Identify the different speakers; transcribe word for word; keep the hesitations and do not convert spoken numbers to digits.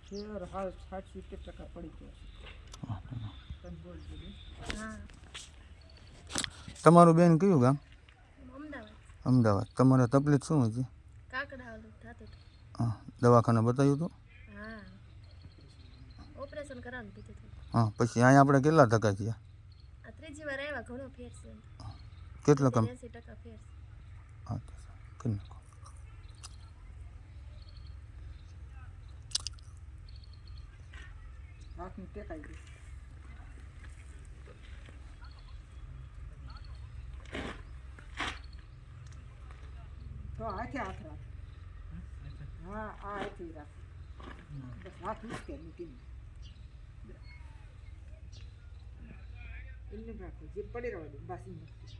Speaker 1: ફેર હાલ સાઠ સિત્તેર ટકા પડી ગયો છે. તમે બોલ દીધું.
Speaker 2: હા
Speaker 3: તમારું બેન કયું ગામ?
Speaker 2: અમદાવાદ.
Speaker 3: અમદાવાદ. તમારે તકલીફ શું હતી?
Speaker 2: કાકડા ઓલું થતું હતું.
Speaker 3: હા, દવાખાને બતાવ્યું હતું?
Speaker 2: હા ઓપરેશન કરાવવાનું કીધું હતું.
Speaker 3: હા, પછી અહીંયા આપણે કેટલા ટકા થયા?
Speaker 2: આ ત્રીજી વાર આવ્યા, ઘણો ફેર છે.
Speaker 3: કેટલો કમ?
Speaker 2: એંસી ટકા ફેર છે.
Speaker 3: હા, તો કરી નાખો.
Speaker 1: હાથની ટેકાઈ ગઈ. તો હાથે હાથ રાખ. હા આ હાથે રાખ. બસ હાથ ઉચકે મૂકીને એમને રાખો જે પડી રહેવા દે બાસી નથી.